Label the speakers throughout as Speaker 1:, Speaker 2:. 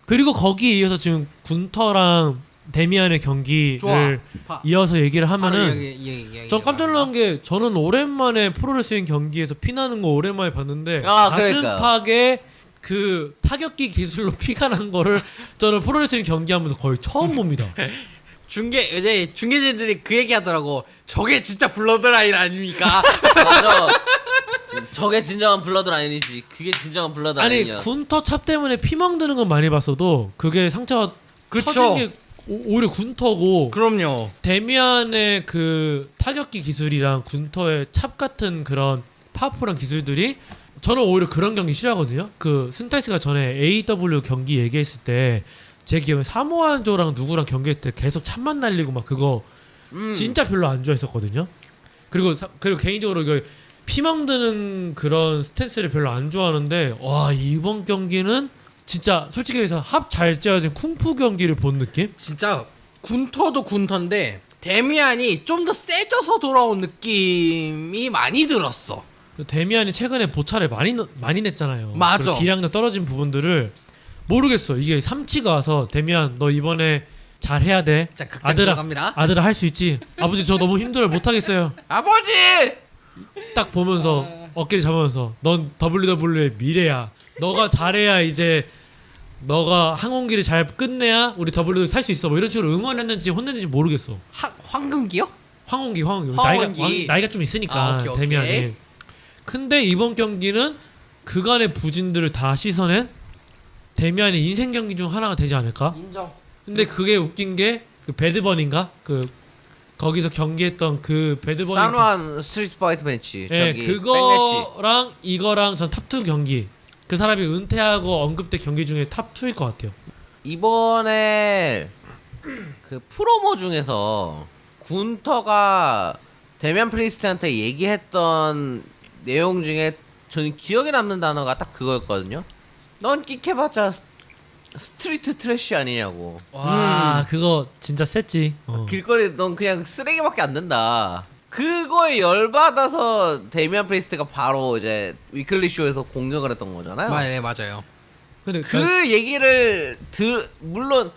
Speaker 1: 그리고 거기에 이어서 지금 군터랑 데미안의 경기를 이어서 얘기를 하면은 전 깜짝 놀란 게 저는 오랜만에 프로레슬링 경기에서 피나는 거 오랜만에 봤는데 가슴팍에 그 타격기 기술로 피가 난 거를 저는 프로레슬링 경기하면서 거의 처음 봅니다.
Speaker 2: 이제 중계진들이 그 얘기 하더라고. 저게 진짜 블러드라인 아닙니까?
Speaker 3: 맞아. 저게 진정한 블러드라인이지. 그게 진정한 블러드라인이야.
Speaker 1: 아니 군터 찹 때문에 피 멍드는 건 많이 봤어도 그게 상처가 터진 게 오히려 군터고.
Speaker 2: 그럼요.
Speaker 1: 데미안의 그 타격기 기술이랑 군터의 찹 같은 그런 파워풀한 기술들이 저는 오히려 그런 경기 싫어하거든요. 그 스타이스가 전에 AEW 경기 얘기했을 때 제 기억에 사모아조랑 누구랑 경기했을 때 계속 찹만 날리고 막 그거 진짜 별로 안 좋아했었거든요. 그리고 개인적으로 이거 피망 드는 그런 스탠스를 별로 안 좋아하는데 와 이번 경기는 진짜 솔직히 해서 합 잘 짜여진 쿵푸 경기를 본 느낌?
Speaker 2: 진짜 군터도 군터인데 데미안이 좀 더 세져서 돌아온 느낌이 많이 들었어.
Speaker 1: 데미안이 최근에 보차를 많이 냈잖아요.
Speaker 2: 맞아.
Speaker 1: 기량도 떨어진 부분들을 모르겠어. 이게 삼치가 와서 데미안 너 이번에 잘해야 돼.
Speaker 2: 자, 극장 들어갑니다.
Speaker 1: 아들아 할 수 있지. 아버지 저 너무 힘들어요. 못하겠어요.
Speaker 2: 아버지!
Speaker 1: 딱 보면서 어깨를 잡으면서 넌 WWE의 미래야. 너가 잘해야 이제 너가 항공기를 잘 끝내야 우리 WWE 살 수 있어. 뭐 이런 식으로 응원했는지 혼냈는지 모르겠어.
Speaker 2: 황금기요?
Speaker 1: 황혼기.
Speaker 2: 황혼기.
Speaker 1: 나이가 좀 있으니까
Speaker 2: 오케이.
Speaker 1: 데미안이. 근데 이번 경기는 그간의 부진들을 다 씻어낸 데미안의 인생 경기 중 하나가 되지 않을까?
Speaker 2: 인정.
Speaker 1: 근데 그게 웃긴 게 그 배드버니인가? 그 거기서 경기했던 그 배드버니
Speaker 3: 산완 스트리트 파이트 매치.
Speaker 1: 네,
Speaker 3: 저기
Speaker 1: 그거랑 백래시. 이거랑 전 탑2 경기. 그 사람이 은퇴하고 언급된 경기 중에 탑2일 것 같아요.
Speaker 3: 이번에 그 프로모 중에서 군터가 데미안 프리스트한테 얘기했던 내용 중에 저는 기억에 남는 단어가 딱 그거였거든요. 넌 끽해봤자 스트리트 트래쉬 아니냐고.
Speaker 1: 와 그거 진짜 셌지.
Speaker 3: 길거리 넌 그냥 쓰레기밖에 안 된다. 그거에 열받아서 데미안 프리스트가 바로 이제 위클리 쇼에서 공격을 했던 거잖아요.
Speaker 2: 네, 맞아요.
Speaker 1: 근데
Speaker 3: 그 얘기를 물론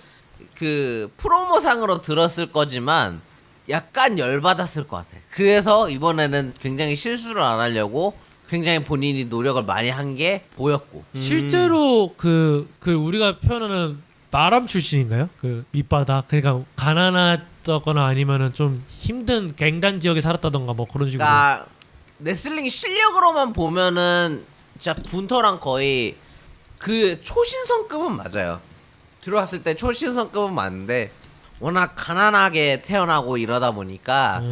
Speaker 3: 그 프로모상으로 들었을 거지만 약간 열받았을 것 같아. 그래서 이번에는 굉장히 실수를 안 하려고 굉장히 본인이 노력을 많이 한 게 보였고.
Speaker 1: 실제로 그 우리가 표현하는 마람 출신인가요? 그 밑바닥 그러니까 가난하다거나 아니면은 좀 힘든 갱단 지역에 살았다던가 뭐 그런 식으로.
Speaker 3: 그러니까 레슬링 실력으로만 보면은 진짜 군터랑 거의 그 초신성급은 맞아요. 들어왔을 때 초신성급은 맞는데 워낙 가난하게 태어나고 이러다 보니까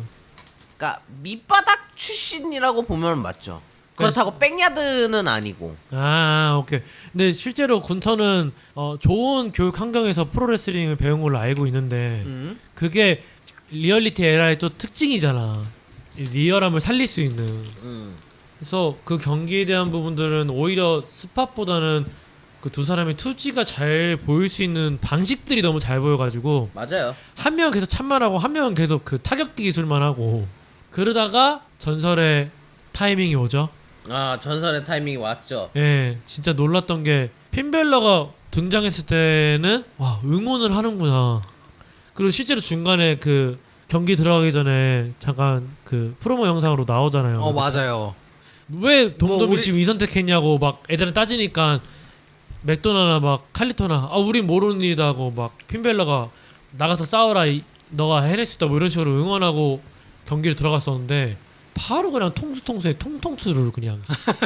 Speaker 3: 그러니까 밑바닥 출신이라고 보면 맞죠. 그렇다고 백야드는 아니고.
Speaker 1: 오케이. 근데 실제로 군터는 좋은 교육 환경에서 프로레슬링을 배운 걸로 알고 있는데 그게 리얼리티 에라의 또 특징이잖아. 이 리얼함을 살릴 수 있는. 그래서 그 경기에 대한 부분들은 오히려 스팟보다는 그 두 사람의 투지가 잘 보일 수 있는 방식들이 너무 잘 보여가지고
Speaker 3: 맞아요.
Speaker 1: 한 명은 계속 참만 하고 한 명은 계속 그 타격기 기술만 하고 그러다가 전설의 타이밍이 오죠.
Speaker 3: 전설의 타이밍이 왔죠.
Speaker 1: 예, 진짜 놀랐던 게 핀벨러가 등장했을 때는 와 응원을 하는구나. 그리고 실제로 중간에 그 경기 들어가기 전에 잠깐 그 프로모 영상으로 나오잖아요.
Speaker 2: 맞아요.
Speaker 1: 왜 동dom이
Speaker 2: 우리...
Speaker 1: 지금 이 선택했냐고 막 애들은 따지니까 맥도나나 막 칼리토나 우린 모르는 일이다 하고 막 핀벨러가 나가서 싸워라 너가 해낼 수 있다 뭐 이런 식으로 응원하고 경기를 들어갔었는데 바로 그냥 통수통수에 통통수를 그냥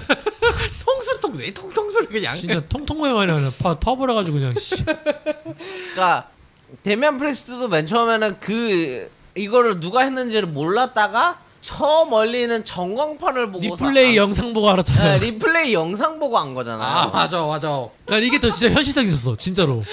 Speaker 2: 통통수를 그냥
Speaker 1: 진짜 통통매만이 아니라 터버려가지고 그냥
Speaker 3: 그러니까 데미안 프리스트도 맨 처음에는 이거를 누가 했는지를 몰랐다가 저 멀리 있는 전광판을 보고
Speaker 1: 리플레이 영상 보고 알았잖아요.
Speaker 3: 네, 리플레이 영상 보고 안 거잖아요.
Speaker 2: 맞아.
Speaker 1: 난 이게 더 진짜 현실성 있었어 진짜로.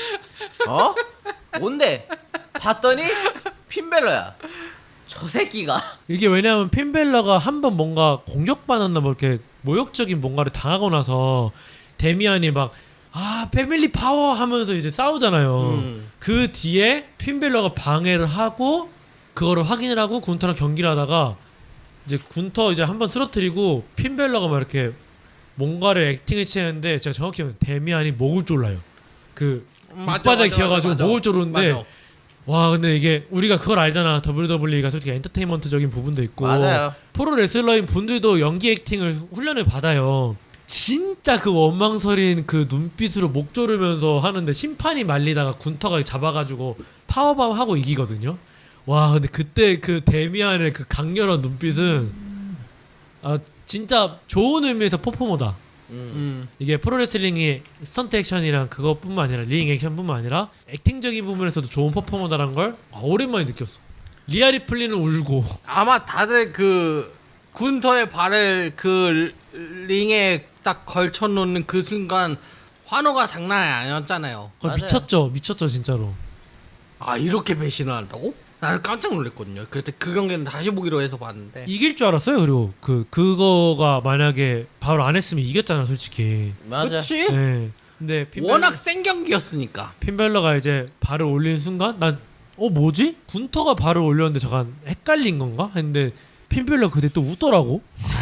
Speaker 3: 뭔데? 봤더니 핀벨러야. 저 새끼가.
Speaker 1: 이게 왜냐면 핀벨러가 한번 뭔가 공격받았나 뭐 이렇게 모욕적인 뭔가를 당하고 나서 데미안이 막 패밀리 파워 하면서 이제 싸우잖아요. 그 뒤에 핀벨러가 방해를 하고 그거를 확인을 하고 군터랑 경기를 하다가 이제 군터 이제 한번 쓰러뜨리고 핀벨러가 막 이렇게 뭔가를 액팅을 치는데 제가 정확히 데미안이 목을 졸라요. 그
Speaker 2: 맞아,
Speaker 1: 밑바닥
Speaker 2: 맞아,
Speaker 1: 기어가지고
Speaker 2: 맞아.
Speaker 1: 목을 조르는데
Speaker 2: 맞아.
Speaker 1: 와 근데 이게 우리가 그걸 알잖아. WWE가 솔직히 엔터테인먼트적인 부분도 있고
Speaker 3: 맞아요.
Speaker 1: 프로 레슬러인 분들도 연기 액팅을 훈련을 받아요. 진짜 그 원망설인 그 눈빛으로 목 조르면서 하는데 심판이 말리다가 군터가 잡아가지고 파워밤 하고 이기거든요. 와 근데 그때 그 데미안의 그 강렬한 눈빛은 아 진짜 좋은 의미에서 퍼포머다. 이게 프로레슬링이 스턴트 액션이랑 그것뿐만 아니라 링 액션뿐만 아니라 액팅적인 부분에서도 좋은 퍼포머다라는 걸 오랜만에 느꼈어. 리아 리플리는 울고
Speaker 2: 아마 다들 그 군터의 발을 그 링에 딱 걸쳐놓는 그 순간 환호가 장난이 아니었잖아요.
Speaker 1: 그거
Speaker 3: 맞아요.
Speaker 1: 미쳤죠 진짜로.
Speaker 2: 아 이렇게 배신을 한다고? 나는 깜짝 놀랐거든요. 그때 그 경기는 다시 보기로 해서 봤는데
Speaker 1: 이길 줄 알았어요. 그리고 그거가 만약에 바로 안 했으면 이겼잖아 솔직히.
Speaker 3: 맞아.
Speaker 2: 그렇지?
Speaker 1: 네. 근데
Speaker 2: 워낙 센 경기였으니까.
Speaker 1: 핀벨러가 이제 발을 올린 순간 난 뭐지? 군터가 발을 올렸는데 잠깐 헷갈린 건가? 했는데 핀벨러 그때 또 웃더라고.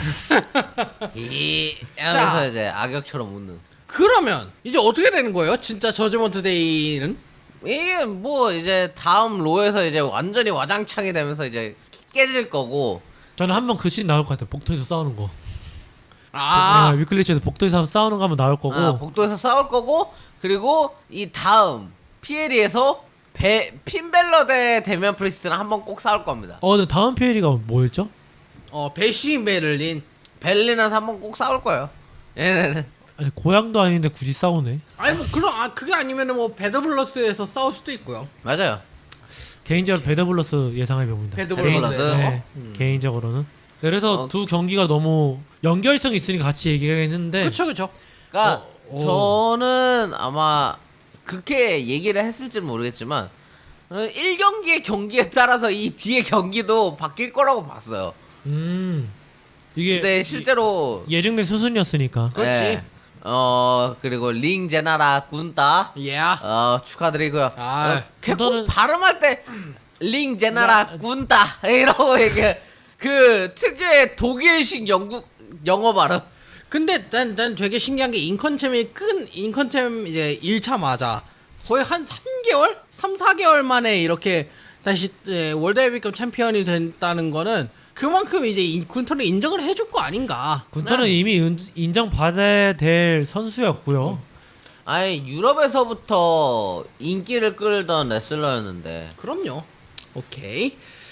Speaker 3: 이
Speaker 2: 자.
Speaker 3: 하면서 이제 악역처럼 웃는.
Speaker 2: 그러면 이제 어떻게 되는 거예요? 진짜 저지먼트 데이는?
Speaker 3: 이게 뭐 이제 다음 로에서 이제 완전히 와장창이 되면서 이제 깨질 거고.
Speaker 1: 저는 한번 그 씬 나올 것 같아요. 복도에서 싸우는 거.
Speaker 2: 아,
Speaker 1: 위클리시에서 복도에서 싸우는 거 한번 나올 거고.
Speaker 3: 복도에서 싸울 거고, 그리고 이 다음 피에리에서 핀벨러 대 데미안 프리스트는 한번 꼭 싸울 겁니다.
Speaker 1: 근데 다음 페이리가 뭐였죠?
Speaker 2: 배시 베를린.
Speaker 3: 벨린에서 한번 꼭 싸울 거예요. 얘네는.
Speaker 1: 아니 고향도 아닌데 굳이 싸우네.
Speaker 2: 아니 뭐 그럼 그게 아니면은 뭐 배드블러스에서 싸울 수도 있고요.
Speaker 3: 맞아요.
Speaker 1: 개인적으로 배드블러스 예상해 봅니다.
Speaker 2: 배드블러스에서.
Speaker 1: 네, 개인적으로는. 그래서 두 경기가 너무 연결성 있으니까 같이 얘기했는데
Speaker 2: 그쵸.
Speaker 3: 그러니까
Speaker 1: 어.
Speaker 3: 저는 아마 그렇게 얘기를 했을지는 모르겠지만 1경기의 경기에 따라서 이 뒤에 경기도 바뀔 거라고 봤어요.
Speaker 1: 이게
Speaker 3: 근데 실제로
Speaker 1: 예정된 수순이었으니까.
Speaker 2: 그렇지.
Speaker 3: 예. 그리고 링 제나라 군따
Speaker 2: 예.
Speaker 3: 축하드리고요.
Speaker 2: 아,
Speaker 3: 꼭
Speaker 1: 군따는-
Speaker 3: 발음할 때 링 제나라 군따 이러고 이게 그 특유의 독일식 영어 발음.
Speaker 2: 근데 난 되게 신기한 게 인컨챔 이제 1차마자 거의 한 3개월? 3-4개월 만에 이렇게 다시 월드 헤비급 챔피언이 됐다는 거는 그만큼 이제 군터를 인정을 해줄 거 아닌가.
Speaker 1: 군터는 이미 인정받아야 될 선수였고요.
Speaker 3: 아니 유럽에서부터 인기를 끌던 레슬러였는데
Speaker 2: 그럼요. 오케이.